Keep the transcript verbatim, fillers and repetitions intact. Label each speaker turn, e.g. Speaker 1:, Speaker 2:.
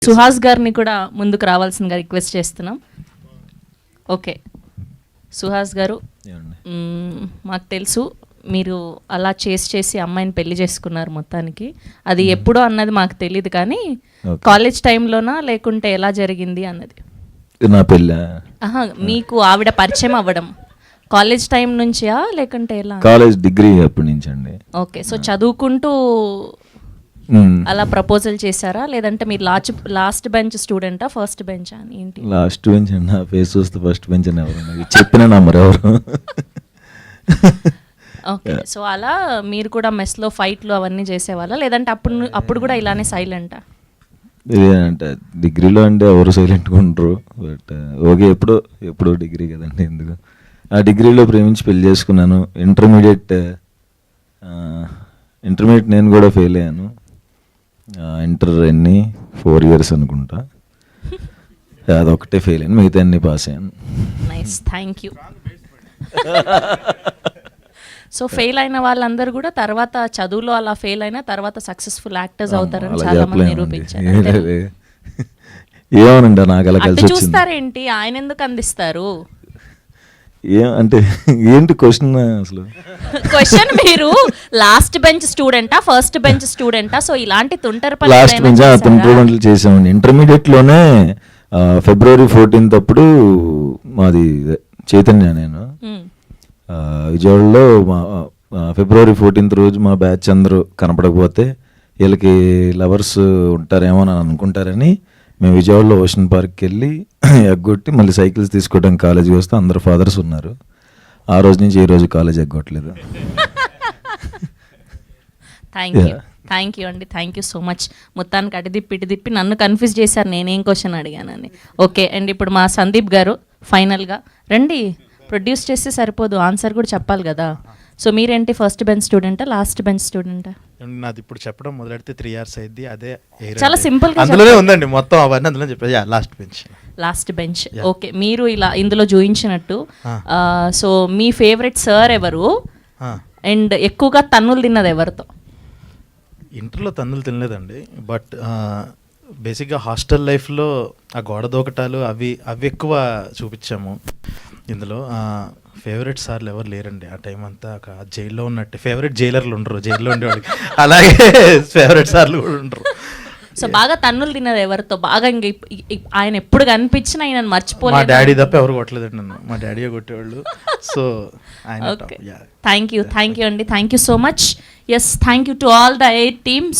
Speaker 1: సుహాస్ గారిని కూడా ముందుకు రావాల్సిందిగా రిక్వెస్ట్ చేస్తున్నాం. ఓకే సుహాస్ గారు, మ్మ్, మాకు తెలుసు మీరు అలా చేసి చేసి అమ్మాయిని పెళ్లి చేసుకున్నారు మొత్తానికి. అది ఎప్పుడో అన్నది మాకు తెలియదు, కానీ కాలేజ్ టైంలోనా లేకుంటే ఎలా జరిగింది అన్నది?
Speaker 2: నా పెళ్ళి
Speaker 1: ఆహా, మీకు ఆవిడ పరిచయం అవ్వడం కాలేజ్ టైం నుంచా లేకుంటే ఎలా?
Speaker 2: కాలేజ్ డిగ్రీ అప్పటి నుంచి అండి.
Speaker 1: ఓకే, సో చదువుకుంటూ అలా ప్రపోజల్ చేశారా, లేదంటే మీరు లాస్ట్ లాస్ట్ బెంచ్ స్టూడెంటా ఫస్ట్ బెంచ్ అని ఏంటి?
Speaker 2: లాస్ట్ బెంచ్ అండి. నా ఫేస్ చూస్తే ఫస్ట్ బెంచ్ అని ఎవరు చెప్పిన నంబర్ ఎవరు?
Speaker 1: ఓకే, సో అలా మీరు కూడా మెస్లో ఫైట్లు అవన్నీ చేసేవాళ్ళా, లేదంటే అప్పుడు అప్పుడు కూడా ఇలానే సైలెంటా?
Speaker 2: ఇదేనంటే డిగ్రీలో అంటే ఎవరు సైలెంట్గా ఉండరు, బట్ ఓకే ఎప్పుడో ఎప్పుడో డిగ్రీ కదండి, ఎందుకు ఆ డిగ్రీలో ప్రేమించి పెళ్లి చేసుకున్నాను. ఇంటర్మీడియట్ ఇంటర్మీడియట్ నేను కూడా ఫెయిల్ అయ్యాను. ఇంటర్ ఎన్ని ఫోర్ ఇయర్స్ అనుకుంటా, అదొకటే ఫెయిల్ అయ్యాను, మిగతా అన్ని పాస్ అయ్యాను.
Speaker 1: Nice, thank you. So fail అయిన వాళ్ళందరూ కూడా తర్వాత చదువులో అలా ఫెయిల్ అయినా తర్వాత సక్సెస్ఫుల్ యాక్టర్స్ అవుతారని చాలా మంది నిరూపించారు.
Speaker 2: ఏమోనండి నాకు అలా కలిసి వచ్చింది.
Speaker 1: చూస్తారేంటి, ఆయన ఎందుకు అందిస్తారు?
Speaker 2: ఏం అంటే ఏంటి క్వశ్చన్ అసలు?
Speaker 1: క్వశ్చన్ మీరు లాస్ట్ బెంచ్ స్టూడెంటా ఫస్ట్ బెంచ్ స్టూడెంటా? సో ఇలాంటి తుంటర పనులు
Speaker 2: లాస్ట్ బెంచ్ తుంటర పనులు చేసామండి. ఇంటర్మీడియట్ లోనే ఫిబ్రవరి ఫోర్టీన్త్ అప్పుడు మాది చైతన్య, నేను విజయవాడలో మా ఫిబ్రవరి ఫోర్టీన్త్ రోజు మా బ్యాచ్ అందరూ కనపడకపోతే వీళ్ళకి లవర్స్ ఉంటారేమో అని అనుకుంటారని మేము విజయవాడలో ఓషన్ పార్క్కి వెళ్ళి ఎగ్గొట్టి మళ్ళీ సైకిల్స్ తీసుకోవడానికి కాలేజీకి వస్తే అందరు ఫాదర్స్ ఉన్నారు. ఆ రోజు నుంచి ఈ రోజు కాలేజ్ ఎగ్గొట్టలేదు.
Speaker 1: థ్యాంక్ యూ థ్యాంక్ యూ అండి, థ్యాంక్ యూ సో మచ్. మొత్తానికి అటు దిప్పి ఇటు దిప్పి నన్ను కన్ఫ్యూజ్ చేశారు నేనేం క్వశ్చన్ అడిగానని. ఓకే అండ్ ఇప్పుడు మా సందీప్ గారు ఫైనల్గా రండి. ప్రొడ్యూస్ చేస్తే సరిపోదు, ఆన్సర్ కూడా చెప్పాలి కదా. సో మీరేంటి ఫస్ట్ బెంచ్ స్టూడెంటా లాస్ట్ బెంచ్ స్టూడెంటా?
Speaker 3: నాది ఇప్పుడు చెప్పడం మొదలెడితే త్రీ ఇయర్స్ అయింది. అదే
Speaker 1: చాలా సింపుల్ గా
Speaker 3: అందులోనే ఉందండి మొత్తం అవన్నీ అందులో చెప్పేది. Last bench
Speaker 1: last bench okay. మీరు ఇలా ఇందులో చూయించినట్టు సో మీ ఫేవరెట్ సార్ ఎవరు అండ్ ఎక్కువగా తన్నులు తిన్నది ఎవరితో?
Speaker 3: ఇంటర్లో తన్నులు తినలేదండి, బట్ బేసిక్గా హాస్టల్ లైఫ్లో ఆ గోడ దూకటాలు అవి అవి ఎక్కువ చూపించాము. ఇందులో ఫేవరెట్ సార్లు ఎవరు లేరండి ఆ టైం అంతా. జైల్లో ఉన్నట్టే ఫేవరెట్ జైలర్లు ఉండరు, జైల్లో ఉండేవాళ్ళకి అలాగే ఫేవరెట్ సార్లు కూడా ఉండరు.
Speaker 1: సో బాగా తన్నులు తిన్నది ఎవరితో? బాగా ఇంక ఆయన ఎప్పుడు కనిపించినా ఆయన మర్చిపోలేదు.
Speaker 3: మా డాడీ తప్ప ఎవరు కొట్టలేదండి నన్ను, మా డాడీ కొట్టేవాళ్ళు. సో ఆయన
Speaker 1: థ్యాంక్ యూ థ్యాంక్ యూ అండి, thank you so much. Yes, thank you to all the eight teams.